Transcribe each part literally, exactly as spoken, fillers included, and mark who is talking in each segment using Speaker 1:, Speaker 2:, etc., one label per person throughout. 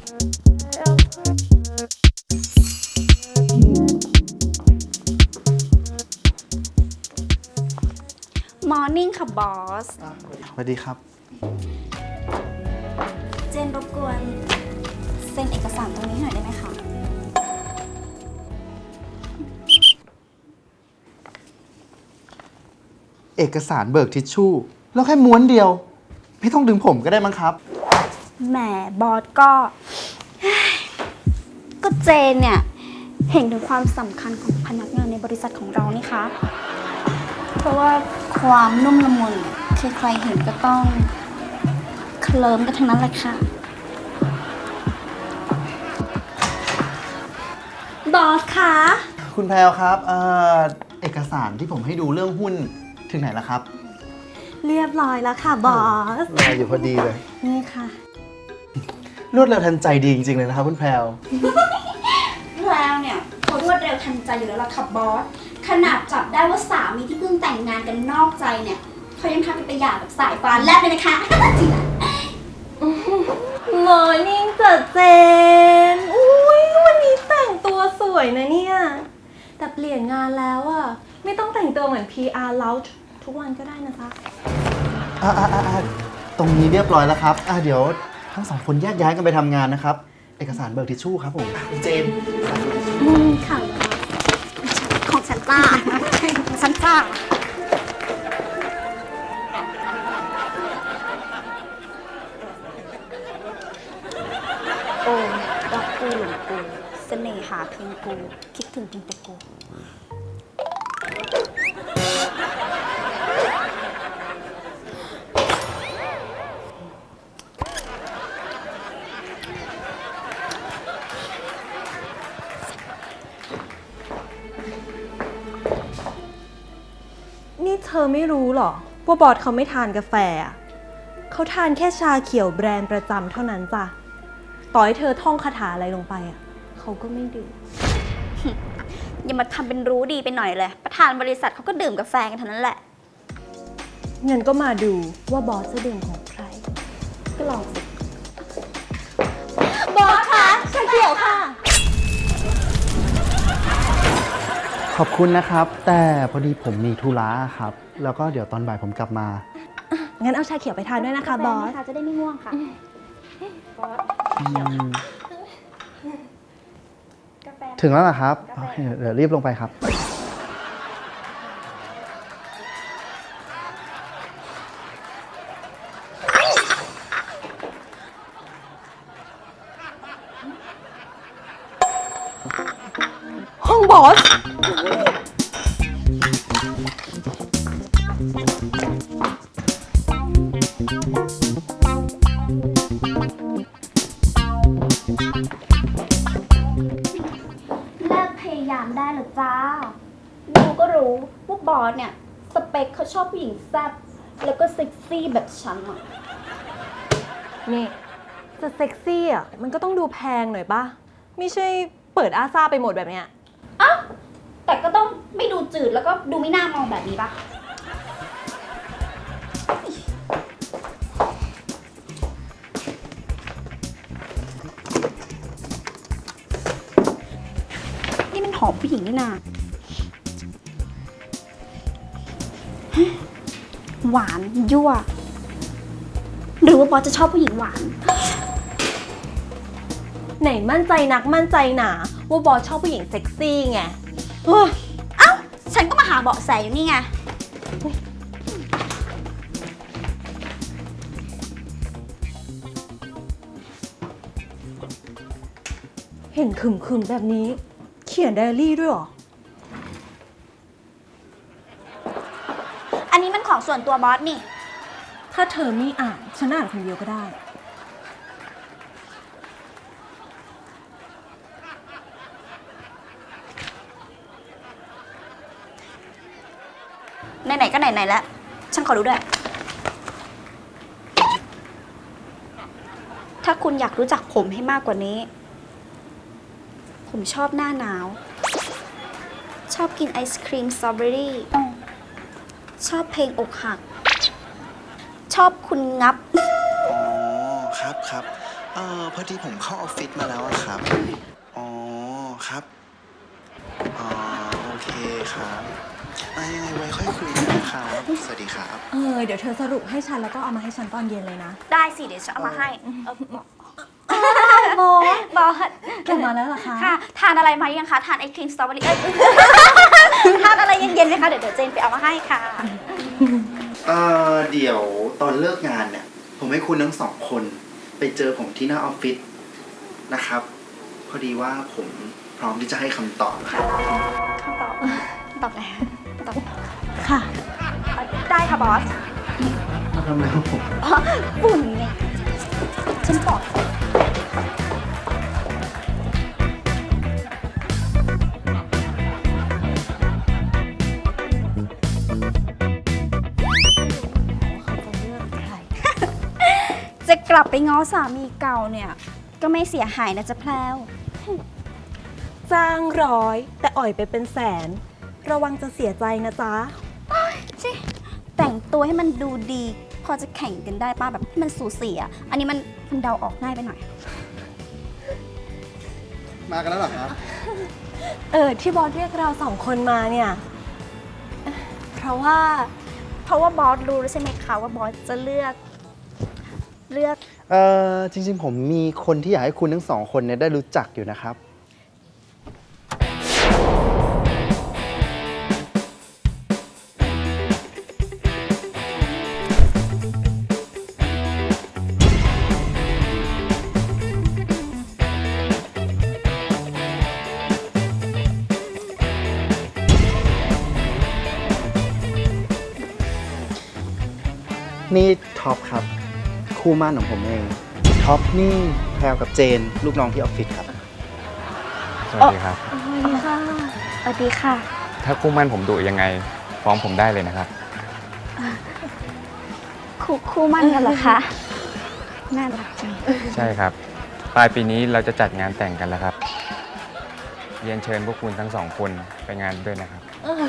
Speaker 1: มอร์นิ่งค่ะบอส
Speaker 2: สวัสดีครับ
Speaker 1: เจนรบกวนเซ็นเอกสารตรงนี้หน่อยได้ไหมคะ
Speaker 2: เอกสารเบิกทิชชู่แล้วแค่ม้วนเดียว ไม่ต้องดึงผมก็ได้มั้งครับ
Speaker 1: แหมบอสก็ ก็เจนเนี่ย เห็นถึงความสำคัญของพนักงานในบริษัทของเรานี่คะ เพราะว่าความนุ่มละมุนเนี่ยคือใครเห็นก็ต้องเคลิ้มกันทั้งนั้นแหละค่ะ บอสคะ
Speaker 2: คุณแพรวครับเอ่อเอกสารที่ผมให้ดูเรื่องหุ้นถึงไหนแล้วครับ
Speaker 1: เรียบร้อยแล้วค่ะบอส
Speaker 2: รออยู่พอดีเลย
Speaker 1: นี่ค่ะ
Speaker 2: รวดเร็วทันใจดีจริงๆเลยนะครับคุณแพรว
Speaker 1: แล้วเนี่ยเขารวดเร็วทันใจอยู่แล้วล่ะค่ะบอส ขนาดจับได้ว่าสามีที่เพิ่งแต่งงานกันนอกใจเนี่ยเขายังทำเป็นไปหย่าแบบสายฟ้าแลบเลยนะคะ
Speaker 3: มอร์นิ่งจัดเจน อุ้ยวันนี้แต่งตัวสวยนะเนี่ย แต่เปลี่ยนงานแล้วอะไม่ต้องแต่งตัวเหมือน พี อาร์ แล้วทุกวันก็ได้นะจ๊ะ
Speaker 2: อ่าอ่าอ่าตรงนี้เรียบร้อยแล้วครับอ่าเดี๋ยวทั้งสองคนแยกย้ายกันไปทำงานนะครับ เอกสารเบิกทิชชู่ครับผมคุณเจน
Speaker 1: อืมค่ะ ของฉันจ้าของฉันจ้าโอ้รักกูหลงกูเสน่หาเพียงกู คิดถึงเพียงแต่กู
Speaker 3: นี่เธอไม่รู้หรอว่าบอสเขาไม่ทานกาแฟอะเขาทานแค่ชาเขียวแบรนด์ประจำเท่านั้นจ้ะ ต่อให้เธอท่องคาถาอะไรลงไปอะเขาก็ไม่ดื่ม
Speaker 1: อย่ามาทำเป็นรู้ดีไปหน่อยเลย ประธานบริษัทเขาก็ดื่มกาแฟกันเท่านั้นแหละ
Speaker 3: งั้นก็มาดูว่าบอสจะดื่มของใคร
Speaker 1: ก็ลองสิ
Speaker 3: บอสคะชาเขียวค่ะ
Speaker 2: ขอบคุณนะครับ แต่พอดีผมมีธุระครับ แล้วก็เดี๋ยวตอนบ่ายผมกลับมา
Speaker 3: งั้นเอาชาเขียวไปทานด้วยนะคะบอส
Speaker 1: จะได้ไม่ง่วงค่ะ บอส
Speaker 2: อืม
Speaker 1: กาแฟ
Speaker 2: ถึงแล้วเหรอครับโอเคเดี๋ยวรีบลงไปครับ
Speaker 3: ห้องบอส
Speaker 1: เลิกพยายามได้หรอจ้า ดูก็รู้ว่าบอสเนี่ย สเปคเขาชอบผู้หญิงแซ่บแล้วก็เซ็กซี่แบบฉันอ่ะ
Speaker 3: นี่จะเซ็กซี่อ่ะมันก็ต้องดูแพงหน่อยป่ะ ไม่ใช่เปิดอาซาไปหมดแบบเนี้ย
Speaker 1: อ้าวแต่ก็ต้องไม่ดูจืดแล้วก็ดูไม่น่ามองแบบนี้ปะนี่มันหอมผู้หญิงนี่นาหวานยั่ว หรือว่าบอสจะชอบผู้หญิงหวาน
Speaker 3: ไหนมั่นใจนักมั่นใจหนาว่าบอสชอบผู้หญิงเซ็กซี่ไงเฮ้ย
Speaker 1: เอ้า ฉันก็มาหาเบาะแสอยู่นี่ไง
Speaker 3: เห็นขึมๆแบบนี้ เขียนไดอารี่ด้วยเหรอ
Speaker 1: อันนี้มันของส่วนตัวบอสนี่
Speaker 3: ถ้าเธอไม่อ่านฉันอ่านคนเดียวก็ได้
Speaker 1: ไหนๆก็ไหนๆแล้ว ฉันขอรู้ด้วย ถ้าคุณอยากรู้จักผมให้มากกว่านี้ ผมชอบหน้าหนาว ชอบกินไอศครีมสตรอเบอรี่ ชอบเพลงอกหัก ชอบคุณงับ
Speaker 2: อ๋อ ครับครับเออพอดีผมเข้าออฟฟิศมาแล้วอะครับ อ๋อครับ อ๋อโอเคครับอ่ะยังไงไว้ค่อยคุยกันนะครับ สวัสดีครับ
Speaker 3: เออ เดี๋ยวเธอสรุปให้ฉันแล้วก็เอามาให้ฉันตอนเย็นเลยนะ
Speaker 1: ได้สิ เดี๋ยวจะเอามาให้เออ
Speaker 3: โบ
Speaker 1: บอส
Speaker 3: กลับมาแล้วเหรอคะ
Speaker 1: ค่ะ ทานอะไรมายังคะ ทานไอครีมสตรอเบอรี่เอ้ย ทานอะไรเย็นๆไหมคะ เดี๋ยวเดี๋ยวเจนไปเอามาให้ค่ะ
Speaker 2: เออเดี๋ยวตอนเลิกงานเนี่ย ผมให้คุณทั้งสองคนไปเจอผมที่หน้าออฟฟิศนะครับ พอดีว่าผมพร้อมที่จะให้คำตอบครับ
Speaker 1: คำตอบ ตอบอะไรคะตอบ
Speaker 3: ค่ะ
Speaker 1: ได้ค่ะบอส
Speaker 2: มาทำอะไรครับผม
Speaker 1: อ๋อฝุ่นไงฉันบอก จะกลับไปง้อสามีเก่าเนี่ย ก็ไม่เสียหายนะจ๊ะแพลว
Speaker 3: จ้างร้อยแต่อ่อยไปเป็นแสน ระวังจะเสียใจนะจ๊ะ
Speaker 1: ชิแต่งตัวให้มันดูดี พอจะแข่งกันได้ป้าแบบให้มันสูสีอ่ะ อันนี้มันมันเดาออกง่ายไปหน่อย
Speaker 2: มากันแล้วเหรอครับ
Speaker 3: เออ ที่บอสเรียกเราสองคนมาเนี่ย เพราะว่า
Speaker 1: เพราะว่าบอสรู้แล้วใช่ไหมคะว่าบอสจะเลือก เลือก
Speaker 2: เออจริงๆ ผมมีคนที่อยากให้คุณทั้งสองคนเนี่ยได้รู้จักอยู่นะครับ นี่ท็อปครับ คู่หมั่นของผมเอง ท็อปนี่แพรวกับเจน ลูกน้องที่ออฟฟิศครับ
Speaker 4: สวัสดีครับ
Speaker 1: สวัสดีค่ะ สวัสดีค่ะ
Speaker 4: ถ้าคู่มั่นผมดุยังไงฟ้องผมได้เลยนะครับ
Speaker 1: คู่คู่มั่นกันเหรอคะ น่ารักจัง
Speaker 4: ใช่ครับ ปลายปีนี้เราจะจัดงานแต่งกันแล้วครับ เรียนเชิญพวกคุณทั้งสองคนไปงานด้วยนะครับ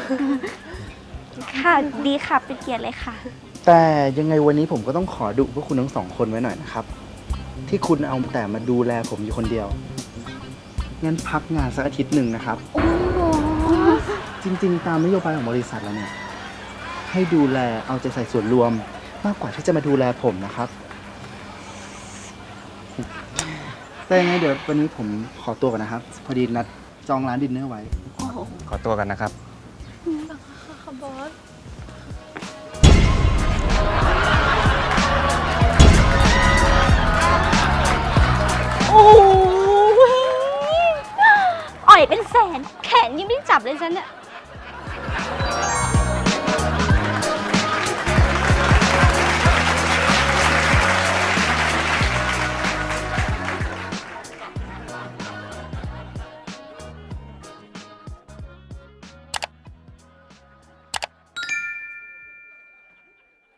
Speaker 1: ค่ะ ดีค่ะ เป็นเกียรติเลยค่ะ
Speaker 2: แต่ยังไงวันนี้ผมก็ต้องขอดุพวกคุณทั้งสองคนไว้หน่อยนะครับ ที่คุณเอาแต่มาดูแลผมอยู่คนเดียว งั้นพักงานสักอาทิตย์หนึ่งนะครับ จริงๆ ตามนโยบายของบริษัทแล้วเนี่ย ให้ดูแลเอาใจใส่ส่วนรวม มากกว่าที่จะมาดูแลผมนะครับ แต่ยังไงเดี๋ยววันนี้ผมขอตัวก่อนนะครับ พอดีนัดจองร้านดินเนอร์ไว้
Speaker 4: ขอตัวกันนะครับ
Speaker 1: โอ้ยอ่อยเป็นแสน แขนยังไม่ได้จับเลยฉันเนี่ย